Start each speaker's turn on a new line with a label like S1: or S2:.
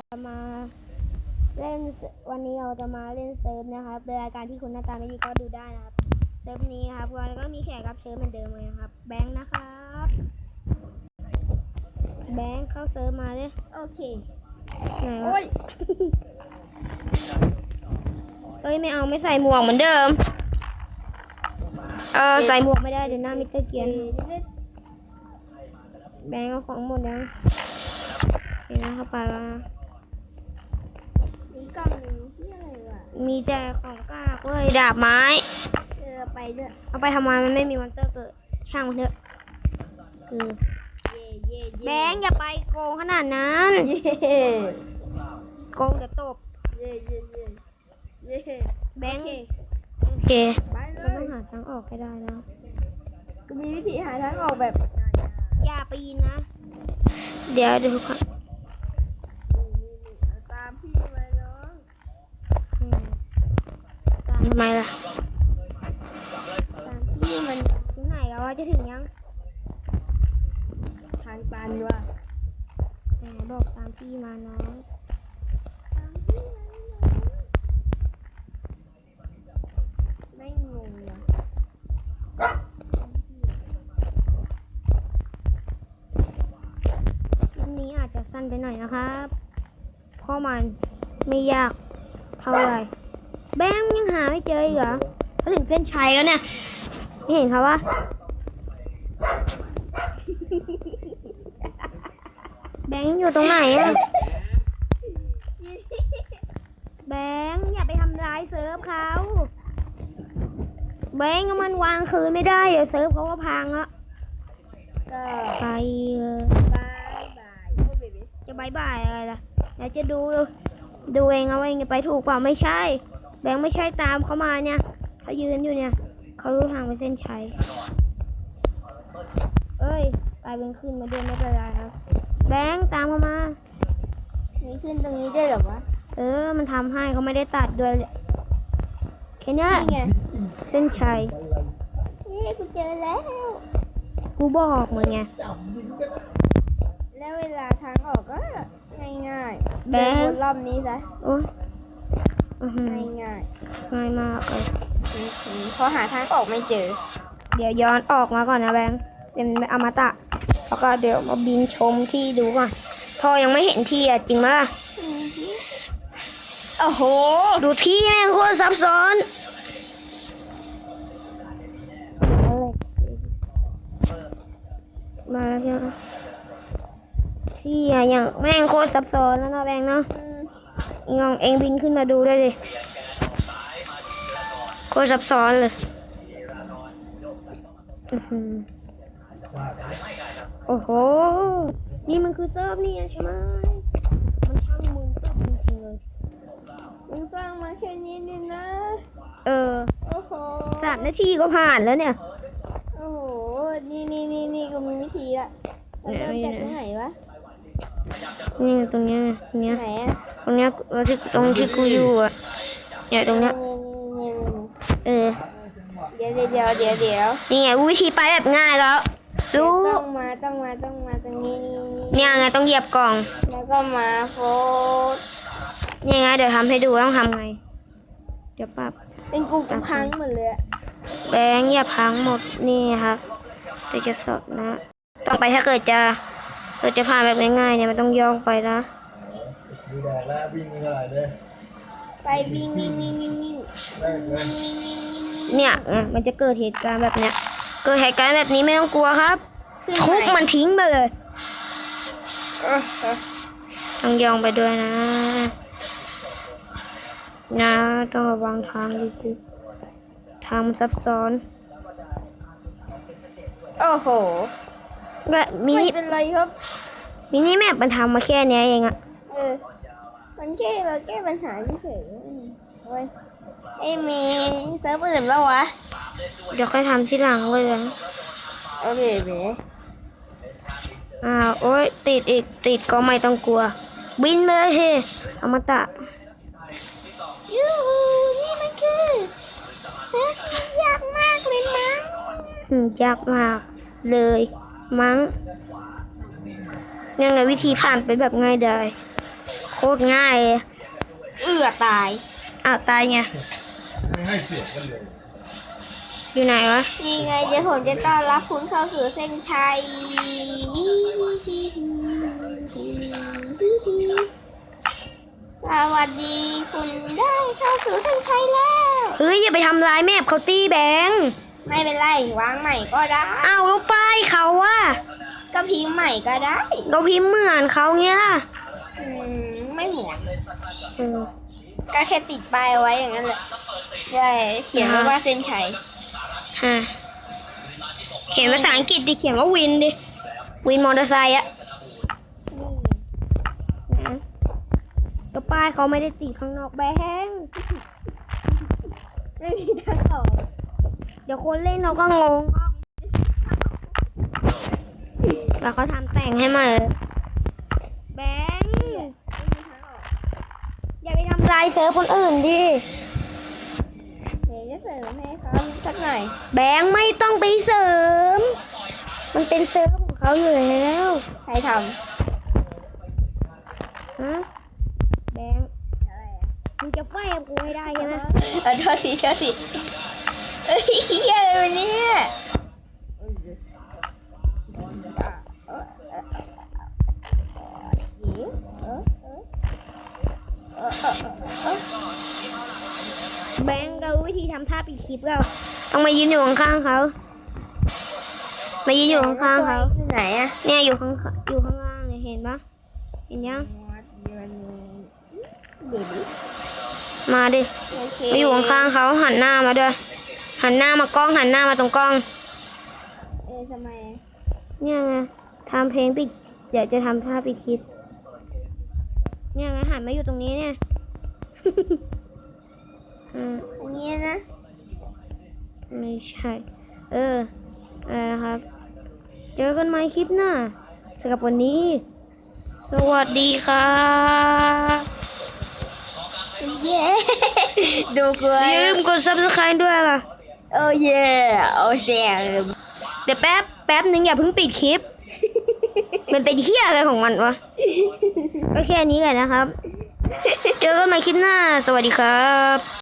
S1: มาเล่นวันนี้เราจะมาเล่นเซิร์ฟนะครับโดยรายการที่คุณหน้าตาไม่ดีก็ดูได้นะครับเซิร์ฟนี้ครับวันก็มีแขกรับเชิญเหมือนเดิมเลยนะครับแบงค์นะครับแบงค์เข้าเซิร์ฟมาเลย
S2: โอเค
S1: ไหนวะ
S2: โอ้ย
S1: ไม่เอาไม่ใส่หมวกเหมือนเดิมใส่หมวกไม่ได้เดี๋ยวหน้ามิสเตอร์เกียนแบงค์เอาของหมดแล้วเห็นไหมเข้าไปว่า
S2: มีกล่องหนึ่งที่อะไรวะ
S1: มีแต่ของกากเว้ยดาบไม้
S2: ไปด้วย
S1: เอาไปทำไมมันไม่มีมอนเตอร์เกิดช่างมันเถอะแบงค์อย่าไปโกงขนาดนั้นโกงจะตบแบงค์โอเคเราต้องหาทางออกให้ได้แล้ว
S2: ก็มีวิธีหาทางออกแบบ
S1: อย่าปีนนะเดี๋ยวดูก่อน
S2: ตามพี่มาน้อง
S1: ตามทำไมล่ะ
S2: ตามพี่มัน
S1: ถึงไหนแล้วจะถึงยัง
S2: ทางตันว่ะ
S1: แหมบอกตามพี่มาน้อง
S2: ตามพี่มาน้องไม่งงอ่ะ
S1: คลิปนี้อาจจะสั้นไปหน่อยนะครับเพราะมันไม่ยากเท่าไหร่แบงค์ยังหาไม่เจออีกเหรอเขาถึงเส้นชัยแล้วเนี่ยไม่เห็นเขาวะแบงค์อยู่ตรงไหนอะแบงค์อย่าไปทำร้ายเซิร์ฟเขาแบงค์มันวางคืนไม่ได้เดี๋ยวเซิร์ฟเขาก็พังอะ
S2: ก็
S1: ไป
S2: บายบายโอ้เบบี้
S1: จะบายบายอะไรล่ะเดี๋ยวจะดูเองเอาเองจะไปถูกเปล่าไม่ใช่แบงค์ไม่ใช่ตามเขามาเนี่ยเขายืนอยู่เนี่ยเขารู้ทางไปเส้นชัยกลายเป็นขึ้นมาด้วยไม่เป็นไรครับแบงค์ตามเขามา
S2: มีขึ้นตรงนี้ด้วยเหรอวะ
S1: มันทำให้เขาไม่ได้ตัดด้วยแค่นี้
S2: ไง
S1: เส้นชัย
S2: กูเจอแล้ว
S1: กูบอกมึงไง
S2: แล้วเวลาทางออกก็ง่ายๆ
S1: แบงค์
S2: รอบนี้ซะ
S1: โอ้
S2: ง่าย
S1: มากเลย
S2: พอหาทางออกไม่เจอ
S1: เดี๋ยวย้อนออกมาก่อนนะแบงค์เป็นอมตะแล้วก็เดี๋ยวมาบินชมที่ดูก่อนพอยังไม่เห็นที่อ่ะจริงมั้ย
S2: โอ้โห
S1: ดูที่แม่งโคตรซับซ้อนมาแล้วเนี่ยที่อ่ะอย่างแม่งโคตรซับซ้อนแล้วนะแบงค์เนาะเองบินขึ้นมาดูได้เลยโคตรซับซ้อนเลยโอ้โหนี่มันคือเซิร์ฟนี่ใช่ไหมมันช่างมึงเซิร์ฟจริงๆเลย
S2: มึงสร้างมาแค่นี้นี่นะ
S1: โ
S2: อ้โห
S1: 3 นาทีก็ผ่านแล้วเนี่ย
S2: โอ้โหนี่ก็มีวิธีละเราเริ่มจากตรงไหนวะ
S1: นี่ตรงเนี้ย
S2: ไหนอะ
S1: ตรงเนี้ยตรงที่กูอยู่อ่ะเนี่ยตรงเนี้ย
S2: เดี๋ยว
S1: นี่ไงวิธีไปแบบง่ายแล้วรู้
S2: ต้องมาตรงนี้
S1: เนี่ยไงต้องเหยียบกล่อง
S2: แล้วก็มาโฟด
S1: นี่ไงเดี๋ยวทำให้ดูต้องทำไงเดี๋ยวปรับ
S2: เป็นกูพังหมดเลย
S1: แบงค์อย่าพังหมดนี่ครับเดี๋ยวจะสดนะต้องไปถ้าเกิดจะผ่านแบบง่ายๆเนี่ยมันต้องย่องไปนะ
S3: ดูแดดแล้ววิ่งเท่าไหร่เลย
S2: ไปวิ่ง
S1: เนี่ยมันจะเกิดเหตุการณ์แบบเนี้ยเกิดเหตุการณ์แบบนี้ไม่ต้องกลัวครับทุบมันทิ้งไปเลยต้องย่องไปด้วยนะต้องระวังทางดีๆทางมันซับซ้อน
S2: โอ้โห
S1: ก็
S2: ไม่เป็นไรครับ
S1: มินิแมปมันทำมาแค่นี้เองอะ
S2: มันแค่เราแก้ปัญหาเฉยๆเว้ยมีเซิร์ฟอื่นแล้ววะ
S1: เดี๋ยวค่อยทำที่หลังเลย
S2: โอเค
S1: โอ๊ยติดก็ไม่ต้องกลัวบินไปเลยเฮ้อมตะ
S2: ยูหูนี่มันคือเซิร์ฟที่ยากมากเลยมั้ง
S1: ยากมากเลยมั้งยังไงวิธีผ่านไปแบบง่ายดายโคตรง่ายเลย
S2: ตาย
S1: อ้าวตายไง
S3: ไม่ให้เสียงกันเลย
S1: อยู่ไหนวะ
S2: นี่ไงเดี๋ยวผมจะต้อนรับคุณเข้าสู่เส้นชัยสวัสดีคุณได้เข้าสู่เส้นชัยแล้ว
S1: เฮ้ยอย่าไปทำร้ายแม่เขาตีแบงค์
S2: ไม่เป็นไรวางใหม่ก็ได้
S1: อ้าวแล้วป้ายเขาอะ
S2: ก็พิมพ์ใหม่ก็ได้
S1: เราพิมพ์เหมือนเขาเงี้ย
S2: ไม่เหมือน
S1: เออ
S2: ก็แค่ติดป้ายเอาไว้อย่างนั้นแหละใช่เขียนไว้ว่าเส้นชัย
S1: ฮะเขียนภาษาอังกฤษดิเขียนว่าวินดิ วินมอเตอร์ไซค์อะนะก็ป้ายเขาไม่ได้ติดข้างนอกแบงค์
S2: ไม่มีทางออก
S1: เดี๋ยวคนเล่นเราก็งงแล้วเขาทำแต่งให้มาแบงค์อย่าไปทำลายเซิร์ฟคนอื่นดิ
S2: เดี๋ยวจะเสริมให้เขาสักหน่อย
S1: แบงค์ไม่ต้องไปเสริม มันเป็นเซิร์ฟของเขาอยู่แล้ว
S2: ใครท
S1: ฮะแบงค์
S2: ำอะไรอะ
S1: มึงจะไฟกับกูให้ได้ใช่ไหม
S2: โทษทีเอ้ยเฮียอะไรวะเนี่ย
S1: แบงค์เราวิธีทำท่าปิดคลิปเราต้องมายืนอยู่ข้างๆเขามายืนอยู่ข้างๆเขา
S2: ไหนอะ
S1: เนี่ยอยู่ข้างล่างเนี่ยเห็นปะเห็นยัง
S2: เบบี้
S1: มาดิ
S2: โอเค
S1: มาอยู่ข้างๆเขาหันหน้ามาด้วยหันหน้ามากล้องหันหน้ามาตรงกล้อง
S2: ทำไม
S1: เนี่ยไงทำเพลงปิดเดี๋ยวจะทำท่าปิดคลิปเนี่ยไงหันมาอยู่ตรงนี้เนี่ย
S2: อันนี้นะ
S1: ไม่ใช่ นะครับ เจอกันใหม่คลิปหน้าสำหรับวันนี้ สวัสดีครับ
S2: เย้ ดูกู
S1: อย่าลืมกด subscribe ด้วยล่ะ
S2: โอ้เย่โอ้เสียง
S1: เดี๋ยวแป๊บนึงอย่าเพิ่งปิดคลิป มันเป็นเหี้ยอะไรของมันวะ ก็แค่นี้แหละนะครับ เจอกันใหม่คลิปหน้า สวัสดีครับ